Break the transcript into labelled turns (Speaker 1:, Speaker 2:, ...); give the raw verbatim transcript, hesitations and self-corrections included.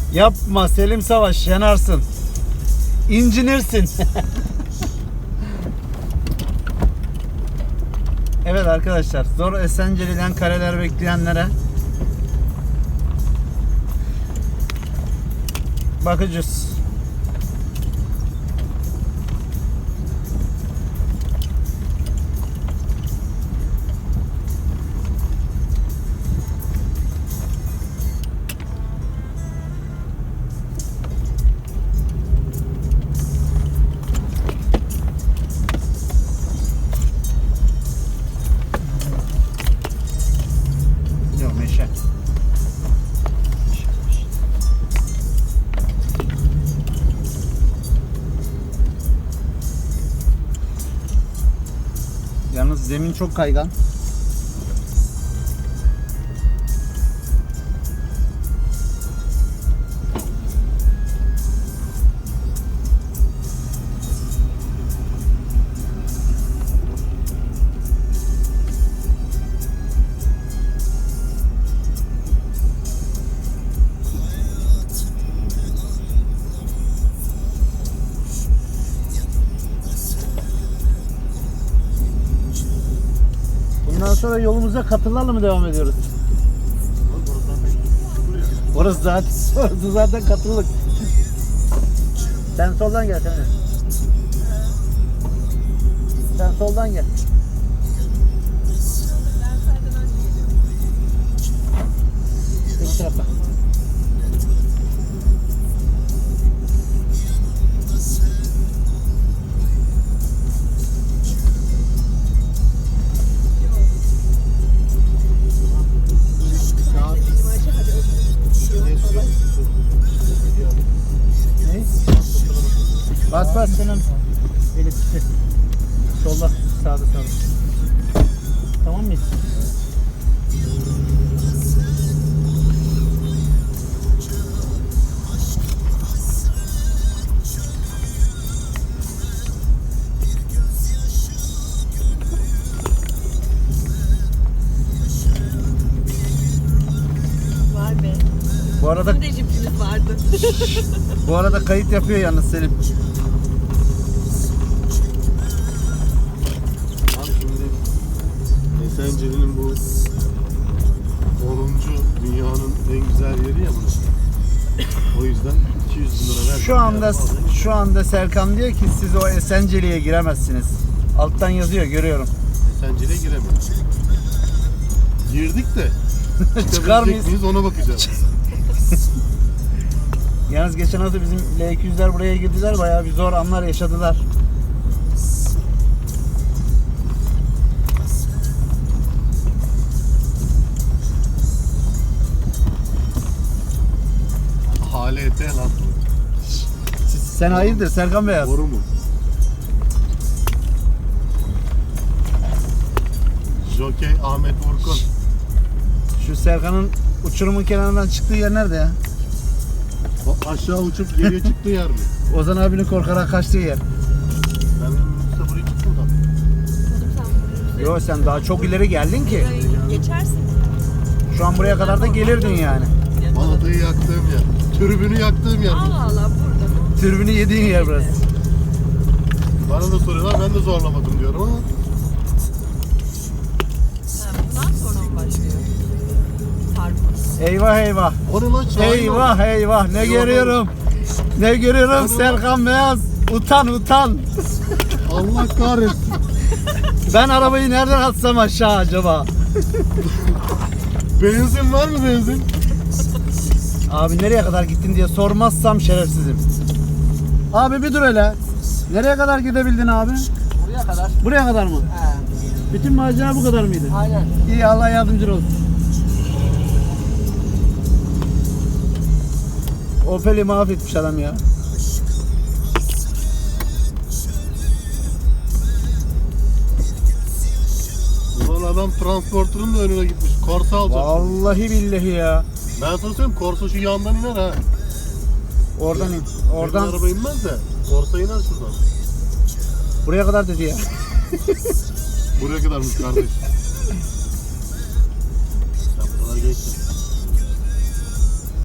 Speaker 1: Yapma Selim Savaş, yanarsın. İncinirsin. Evet arkadaşlar, zor Esenceli'den kareler bekleyenlere bakacağız. Yok meşe. Yalnız zemin çok kaygan. Bundan sonra yolumuza katırlarla mı devam ediyoruz? Orası zaten, orası zaten katırlık. Sen soldan gel sen. Sen soldan gel. Bu tarafa. Bas bas senin elektrikli. Solda, sağda, sağda. Tamam mıyız?
Speaker 2: Vay be.
Speaker 1: Bu arada
Speaker 2: Bizim de jipimiz vardı.
Speaker 1: bu arada kayıt yapıyor yalnız Selim.
Speaker 3: Abi şimdi Esenceli'nin bu onuncu dünyanın en güzel yeri ya burası. O yüzden iki yüz bin lira ver.
Speaker 1: Şu anda şu anda Serkan diyor ki siz o Esenceli'ye giremezsiniz. Alttan yazıyor, görüyorum.
Speaker 3: Esenceli'ye giremiyoruz. Girdik de
Speaker 1: Çıkar mıyız?
Speaker 3: çıkabilecek miyiz ona bakacağız.
Speaker 1: Yalnız geçen hafta bizim L iki yüzler buraya girdiler, bayağı bir zor anlar yaşadılar.
Speaker 3: H L T lan.
Speaker 1: Sen hayırdır Serkan Beyaz?
Speaker 3: Doğru mu? Jokey Ahmet Orkun.
Speaker 1: Şu Serkan'ın uçurumun kenarından çıktığı yer nerede ya?
Speaker 3: O aşağı uçup geriye çıktığı yer mi?
Speaker 1: Ozan abinin korkarak kaçtığı yer.
Speaker 3: Ben minibüste buraya çıktım da.
Speaker 1: Yo sen daha çok ileri geldin ki.
Speaker 2: Geçersin.
Speaker 1: Şu an buraya kadar da gelirdin yani.
Speaker 3: Balatayı yaktığım yer. Tribünü yaktığım yer.
Speaker 2: Allah Allah burada.
Speaker 1: Türbünü yediğin yer burası.
Speaker 3: Bana da soruyorlar, ben de zorlamadım diyorum ama.
Speaker 2: Ha, bundan sonra mı başlıyor? Tarpon.
Speaker 1: Eyvah eyvah.
Speaker 3: O ne lan? Şahin o.
Speaker 1: Eyvah eyvah, ne görüyorum. Ne görüyorum Serkan Beyaz. Utan utan.
Speaker 3: Allah kahretsin.
Speaker 1: Ben arabayı nereden atsam aşağı acaba?
Speaker 3: Benzin var mı benzin?
Speaker 1: Abi nereye kadar gittin diye sormazsam şerefsizim. Abi bir dur hele. Nereye kadar gidebildin abi?
Speaker 4: Buraya kadar.
Speaker 1: Buraya kadar mı?
Speaker 4: He.
Speaker 1: Bütün macera bu kadar mıydı?
Speaker 4: Aynen.
Speaker 1: İyi, Allah yardımcın olsun. Opel'i mahvetmiş adam ya.
Speaker 3: Ulan adam transporterın da önüne gitmiş. Korsa alacak.
Speaker 1: Vallahi billahi ya.
Speaker 3: Ben sana söyleyeyim, Korsa şu yandan iner ha.
Speaker 1: Oradan in.
Speaker 3: Oradan
Speaker 1: Oradan
Speaker 3: araba inmez de Korsa iner şuradan.
Speaker 1: buraya kadar dedi ya.
Speaker 3: Buraya kadarmış kardeş. Sen buralar geçtin.